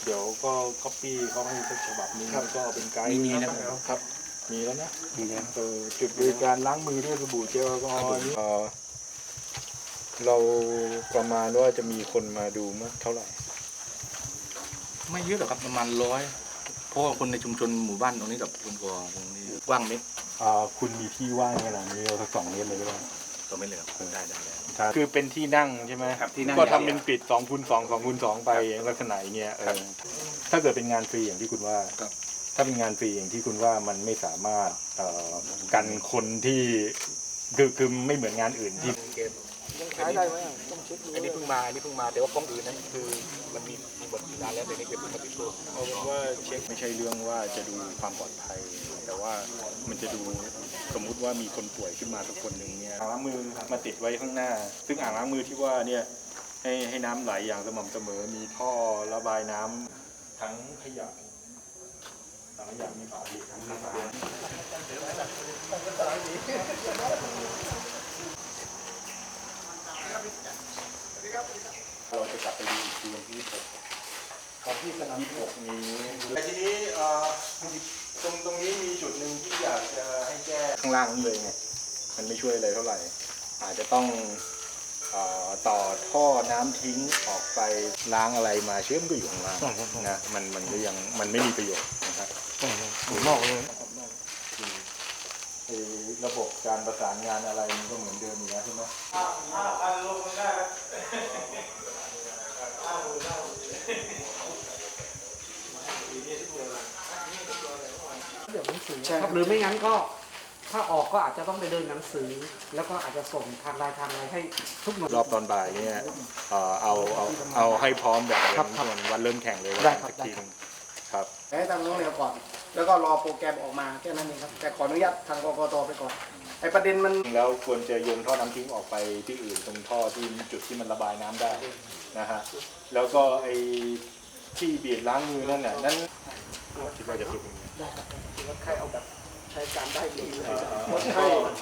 ดี๋ยวก็ก๊อปปี้เขาให้สักฉบับนึงแล้วก็เป็นไกด์มีแล้วครับมีแล้วนะมีแล้วจุดบริการล้างมือด้วยสบู่เจลแอลกอฮอล์นี่เราประมาณว่าจะมีคนมาดูมากเท่าไหร่ไม่เยอะหรอกครับประมาณ100เพราะว่าคนในชุมชนหมู่บ้านตรงนี้กับคนกอตรงนี้กว้างเมตรคุณมีที่ว่างขนาดนี้เราสัก2 เมตรเลยก็ได้ก็ไม่เลยครับได้คือเป็นที่นั่งใช่ไหมครับที่นั่งก็ทำเป็นปิด2x2 2x2ไปลักษณะอย่างเงี้ยถ้าเกิดเป็นงานฟรีอย่างที่คุณว่าครับถ้าเป็นงานฟรีอย่างที่คุณว่ามันไม่สามารถกันคนที่คือไม่เหมือนงานอื่นที่ยังใช้ได้ไหมต้องเช็คดูอันนี้เพิ่งมาแต่ว่าป้องอื่นนั้นคือมันมีบทนานแล้วแต่นี่เก็บมาติดตัวเอาเป็นว่าเช็คไม่ใช่เรื่องว่าจะดูความปลอดภัย แต่ว่ามันจะดูสมมุติว่ามีคนป่วยขึ้นมาสักคนหนึ่งเนี่ยอ่างล้างมือมาติดไว้ข้างหน้า ซึ่งอ่างล้างมือที่ว่าเนี่ยให้น้ำไหลอย่างสม่ำเสมอมีท่อระบายน้ำทั้งขยะมีฝาปิดทั้งฝาเราจะกลับไปดูคืนที่6ของที่สนาม6นี้แต่ทีนี้ตรงนี้มีจุดหนึ่งที่อยากจะให้แก้ข้างล่างนี่เลยไงมันไม่ช่วยอะไรเท่าไหร่อาจจะต้องต่อท่อน้ำทิ้งออกไปล้างอะไรมาเชื่อมก็อยู่ข้างล่างนะมันก็ยังมันไม่มีประโยชน์นะครับนอกเลยระบบการประสานงานอะไรมันก็เหมือนเดิมอยู่แล้วใช่ไหมเดี๋ยวหนังสือครับหรือไม่งั้นก็ถ้าออกก็อาจจะต้องไปเดินหนังสือ แล้วก็อาจจะส่งทางไลน์ทางอะไรให้ทุกหน่วยรอบตอนบ่ายเนี่ยเอาให้พร้อมแบบส่วนวันเริ่มแข่งเลยวันสักทีครับให้ทางน้องเรียนก่อนแล้วก็รอโปรแกรมออกมาแค่นั้นเองครับแต่ขออนุญาตทางกกตไปก่อนไอ้ประเด็นมันแล้วควรจะโยนท่อน้ำทิ้งออกไปที่อื่นตรงท่อที่จุดที่มันระบายน้ำได้นะฮะแล้วก็ไอ้ที่บีบล้างมือนั่นน่ะนั่นคิดว่าจะสุดได้ครับคิดว่าใครเอาแบบใช้การได้ดีเลยก็